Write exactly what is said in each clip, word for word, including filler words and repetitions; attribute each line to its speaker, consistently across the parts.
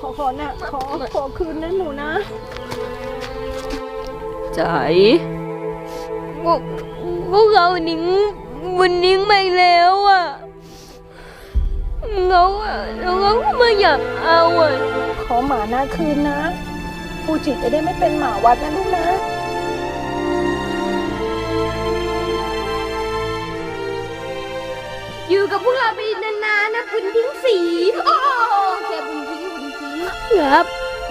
Speaker 1: ขอขอนะขอขอคืนนะหนูนะ
Speaker 2: ใจพวกพวกเรานิ้งมันนิ้งไปแล้วอ่ะเราอ่ะเราก็ไม่อยากเอาอ่ะ
Speaker 1: ขอหมาหน้าคืนนะฟูจิจะได้ไม่เป็นหมาวัดนะลูกนะ
Speaker 2: อยู่กับพวกเราไปนานๆนะบุญทิ้งสีโอ้แค่บุญทิ้งบุญทิ้งครับ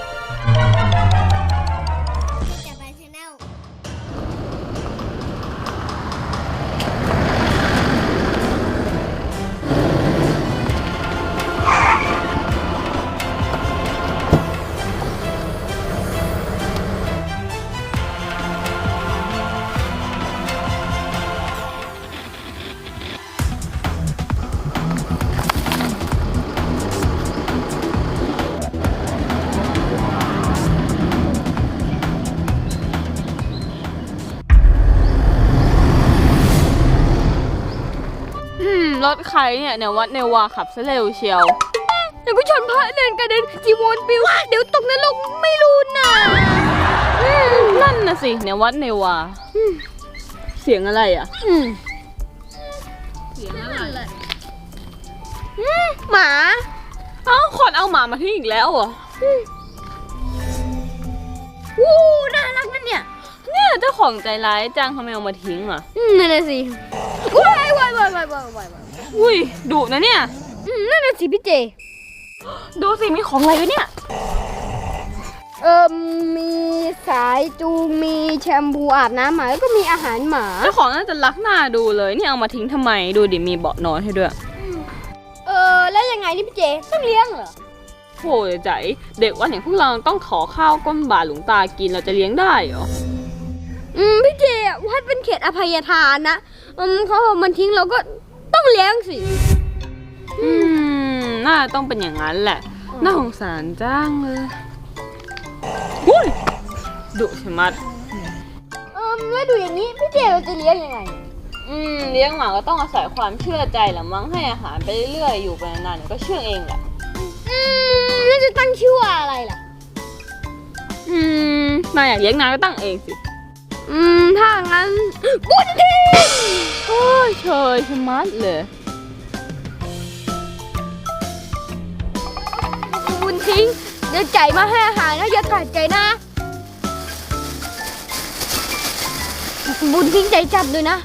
Speaker 2: รถใครเนี่ยเนี่ยวัดเนวาขับซะเร็วเชียวเดี๋ยวก็ชนพระเดินกระเด็นจีวรปิวเดี๋ยวตกนรกไม่รู้นะนั่นน่ะสิเนี่ยวัดเนวาเสียงอะไรอ่ะเสียงอะไรหมาเอ้าคนเอาหมามาทิ้งอีกแล้วเหรอวู้น่ารักนั่นเนี่ยเนี่ยเจ้าของใจร้ายจังทำไมเอามาทิ้งอ่ะนั่นน่ะสิว้ายวายวายวายวายวายอุ้ยดุนะเนี่ยนั่นน่ะสิพี่เจดูสิมีของอะไรด้วยเนี่ยเอ่อมีสายจูงมีแชมพูอาบน้ำหมาแล้วก็มีอาหารหมาเจ้าของน่าจะรักหน้าดูเลยนี่เอามาทิ้งทำไมดูดิมีเบาะนอนให้ด้วยเออแล้วยังไงนี่พี่เจต้องเลี้ยงเหรอโหใจเด็กวันอย่างพวกเราต้องขอข้าวก้นบาทหลวงตากินเราจะเลี้ยงได้เหรออืมพี่เจวัดเป็นเขตอภัยทานนะอืมเขาเอามันทิ้งเราก็ต้องเลี้ยงสิอืมน่าต้องเป็นอย่างนั้นแหละน่าสงสารจ้างเลยหุ้ยดุใช่มัดเออไม่ดูอย่างนี้พี่เจเราจะเลี้ยงยังไงอืมเลี้ยงหมาก็ต้องอาศัยความเชื่อใจแหละมั้งให้อาหารไปเรื่อยๆอยู่ไปนานๆก็เชื่อเองแหละอืมแล้วจะตั้งชื่อว่าอะไรล่ะอืมนายอยากเลี้ยงนายก็ตั้งเองสิอืมถ้างั้นบุญทิ้งโอ้ยเชยชะมัดเลยบุญทิ้งเดี๋ยวใจมาให้อาหารนะอย่าขาดใจนะบุญทิ้งใจจับเลยนะ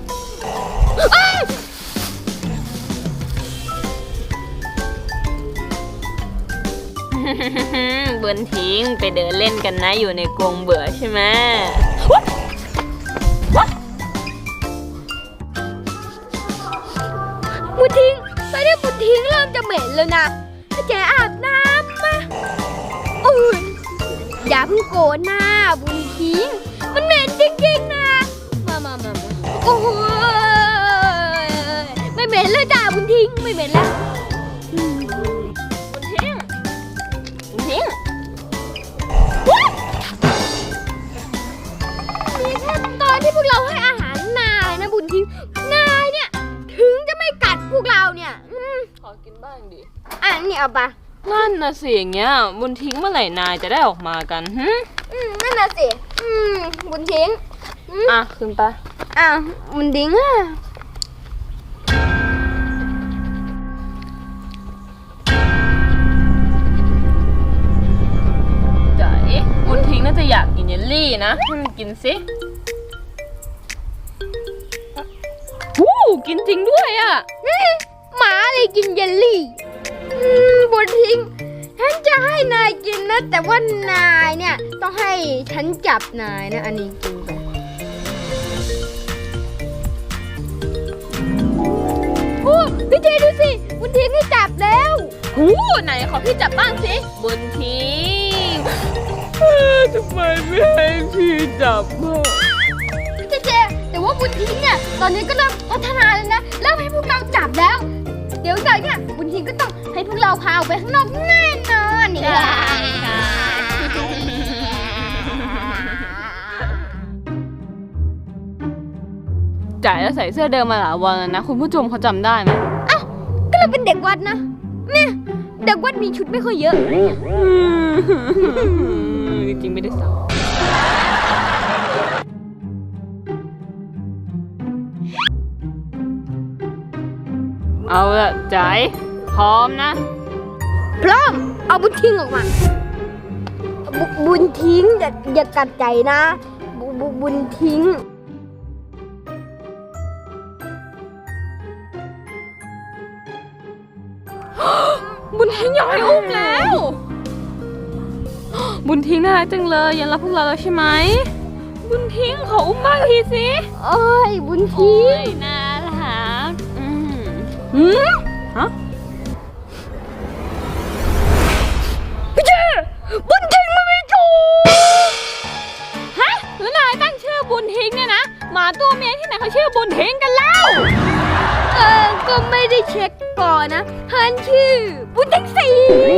Speaker 2: บุญทิ้งไปเดินเล่นกันนะอยู่ในกรงเบื่อใช่ไหมบุญทิ้งตอนนี้บุญทิ้งเริ่มจะเหม็นแล้วนะถ้าแกอาบน้ำมาอุ้ยอย่าเพิ่งโกรธนะบุญทิ้งมันเหม็นจริงๆนะมามามาโอ้ยไม่เหม็นเลยจ้าบุญทิ้งไม่เหม็นแล้วมีแค่ตอนที่พวกเราให้อาหารนายนะบุญทิ้งนายเนี่ยถึงจะไม่กัดพวกเราเนี่ยขอกินบ้างดิอ่ะนี่เอาปะนั่นน่ะสิอย่างเงี้ยบุญทิ้งเมื่อไหร่นายจะได้ออกมากันฮึอืมนั่นน่ะสิอืมบุญทิ้งอ่ะขึ้นปะอ่ะบุญทิ้งอ่ะบุญทิ้งน่าจะอยากกินเยลลี่นะให้มันกินสิวู้กินจริงด้วยอ่ะหมาเลยกินเยลลี่บุญทิ้งฉันจะให้นายกินนะแต่ว่านายเนี่ยต้องให้ฉันจับนายนะอันนี้กินไปโอ้พี่เจดูสิบุญทิ้งให้จับแล้วหูไหนขอพี่จับบ้างสิบุญทิ้งทำไมไม่ให้พี่จับบ้างเจเจแต่ว่าบุญทิ้งเนี่ยตอนนี้ก็เริ่มพัฒนาแล้วนะเริ่มให้พวกเราจับแล้วเดี๋ยวจากเนี่ยบุญทิ้งก็ต้องให้พวกเราพาออกไปข้างนอกแน่นอนนี่ค่ะจ่ายแล้วใส่เสื้อเดิมมาหลายวันแล้วนะคุณผู้ชมเขาจำได้ไหมอ้าวก็เราเป็นเด็กวัดนะเนี่ยเด็กวัดมีชุดไม่ค่อยเยอะจริงๆไม่ได้สั่งเอาละใจพร้อมนะพร้อมเอาบุญทิ้งออกมาบบุญทิ้งอย่าอย่ากัดใจนะบบุบุญทิ้งบุญทิ้งอยากให้อุ้มแล้วบุญทิ้งน่ารักจังเลยยังรักพวกเราแล้วใช่ไหมบุญทิ้งขออุ้มบ้างทีสิโอ้ยบุญทิ้งน่ารักอืมหืมฮะพี่เจบุญทิ้งมันไม่ถูกฮะแล้วนายตั้งชื่อบุญทิ้งเนี่ยนะหมาตัวเมียที่ไหนเขาชื่อบุญทิ้งกันแล้วเออก็ไม่ได้เช็คก่อนนะฮันชื่อบุญทิ้งสี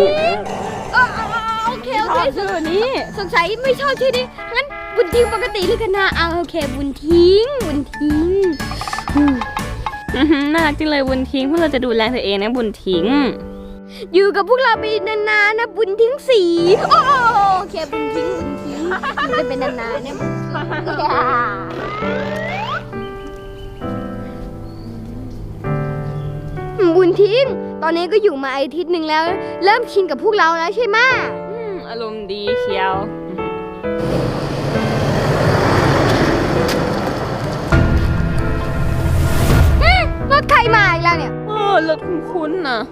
Speaker 2: โอเคโอเคชื่อนี้สงสัยไม่ชอบชื่อนี้งั้นบุญทิ้งปกติเลยกันนะเอาโอเคบุญทิ้งบุญทิ้งน่ารักจังเลยบุญทิ้งพวกเราจะดูแลเธอเองนะบุญทิ้งอยู่กับพวกเราไปนานๆนะบุญทิ้งสีโอเคบุญทิ้งบุญทิ้งอยู่ได้เป็นนานๆนะบุญทิ้งตอนนี้ก็อยู่มาอาทิตย์หนึ่งแล้วเริ่มชินกับพวกเราแล้วใช่ไหมอารมณ์ดีเชียวรถใครมาอีกแล้วเนี่ยเออรถคุ้นๆนะ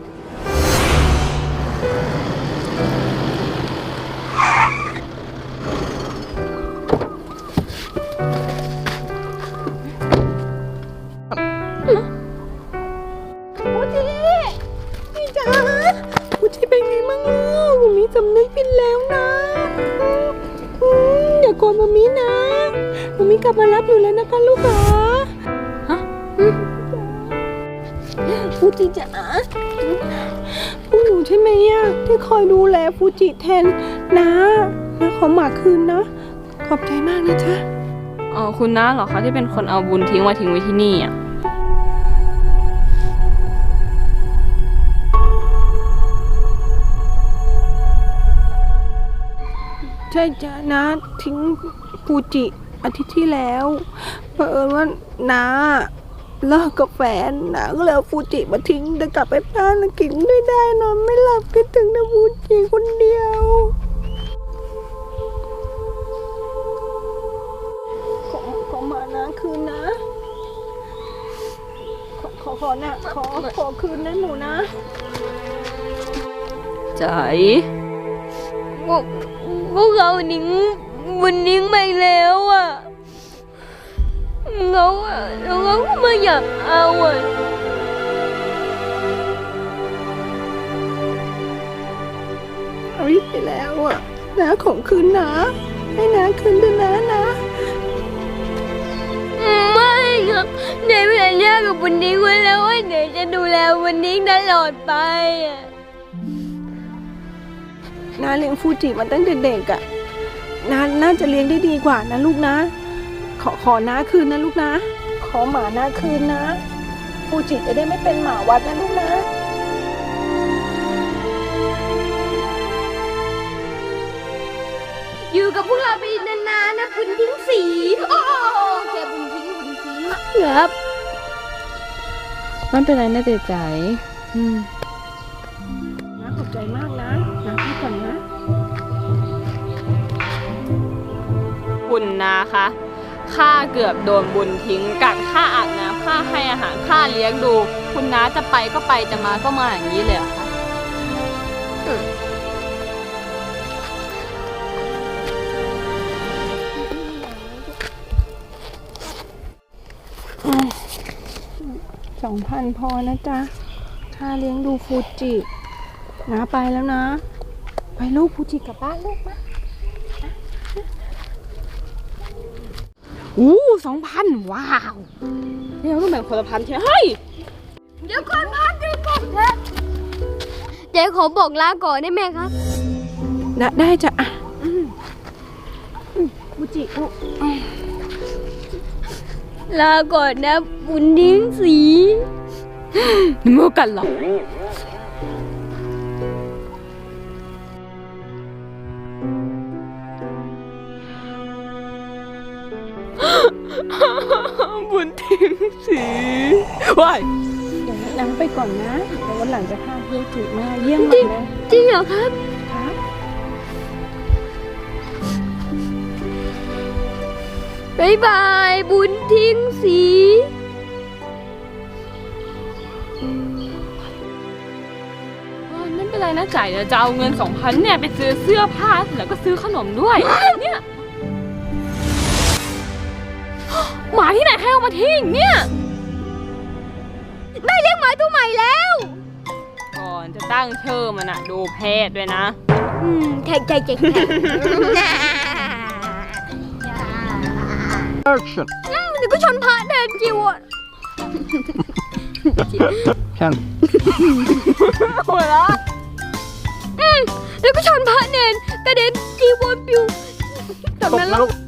Speaker 1: ฟูจิพี่จ๋าฟูจิเป็นไงมั่งลูกมามีสำนึกผิดแล้วนะอย่าโกรธมามีนะมามีกลับมารับอยู่แล้วนะคะลูกจ๋าฮะฟูจิจ๋าพวกหนูใช่ไหมอะที่คอยดูแลฟูจิแทนนะนะขอหมาคืนนะขอบใจมากนะจ๊ะ
Speaker 2: อ๋อคุณน้าเหรอคะที่เป็นคนเอาบุญทิ้งมาทิ้งไว้ที่นี่อ่ะ
Speaker 1: ใช่จ้ะนะทิ้งฟูจิอาทิตย์ที่แล้วเผอิญว่าน้าเลิกกับแฟนน้าก็เลยเอาฟูจิมาทิ้งแต่กลับไปบ้านกินไม่ได้นอนไม่หลับคิดถึงแต่ฟูจิคนเดียวขอขอมานะคืนนะขอขอขอนะขอขอคืนนะหนูนะ
Speaker 2: ใจพวกเรานิ่งบุญนิ่งไปแล้วอ่ะเราอ่ะเราก็ไม่อยากเอาอ่ะ
Speaker 1: เอาอีกไปแล้วอ่ะนะของคืนนะให้นะคืนด้วยนะนะ
Speaker 2: ไม่ครับเดี๋ยวสัญญากับบุญนิ่งไว้แล้วว่าเดี๋ยวจะดูแลบุญนิ่งตลอดไปอ่ะ
Speaker 1: น้าเลี้ยงฟูจิมาตั้งแต่เด็กอะน้าน่าจะเลี้ยงได้ดีกว่านะลูกนะขอขอน้าคืนนะลูกนะขอหมาน้าคืนนะฟูจิจะได้ไม่เป็นหมาวัดนะลูกนะ
Speaker 2: อยู่กับพวกเราไปนานๆนะบุญทิ้งสีโอ้แค่บุญทิ้งบุญทิ้งครับมันเป็นไรนะเจ๊ใจอืม
Speaker 1: น้าขอบใจมากนะน้าพักก่อนนะ
Speaker 2: คุณนะคะข้าเกือบโดนบุญทิ้งกัดข้าอาบน้ำข้าให้อาหารข้าเลี้ยงดูคุณน้าจะไปก็ไปจะมาก็มาอย่างนี้เลยค่ะ
Speaker 1: สองพันพอนะจ๊ะค่าเลี้ยงดูฟูจิน้าไปแล้วนะไปลูกฟูจิกลับบ้านลูกมา
Speaker 2: อู้สองพันว้าวนี่เราต้องแบ่งคนละพันใช่ไหมเฮ้ยเดี๋ยวก่อนพันเดี๋ยวก่อนเถอะเจ๊ขอบอกลาก่อนได้ไหมครับ
Speaker 1: ได้ได้จ้ะฟูจิลูก
Speaker 2: ลาก่อนนะบุญทิ้งสีนี่เมื่อกันหรอบุญทิ้งสีว้าย
Speaker 1: เดี๋ยวน้าไปก่อนนะเดี๋ยววันหลังจะพาฟูจิมาเยี่ยมใหม่นะ
Speaker 2: จริงเหรอครับ
Speaker 1: ครับ
Speaker 2: บ๊ายบายบุญทิ้งสีไม่เป็นไรนะจ่ายเดี๋ยวจะเอาเงินสองพันเนี่ยไปซื้อเสื้อผ้าแล้วก็ซื้อขนมด้วยเนี่ยหมาที่ไหนใครเอามาทิ้งเนี่ยได้เลี้ยงหมาตัวใหม่แล้วก่อนจะตั้งชื่อมันอะดูเพศด้วยนะอืมใช่ใช่ใช่
Speaker 3: Action
Speaker 2: เดี๋ยวก็ชนพระเดินจิวอ่ะ
Speaker 3: Can
Speaker 2: หัวเราะอืมแล้วก็ชนพระเนนกระเด็นจีวรปิว
Speaker 3: ตกนรก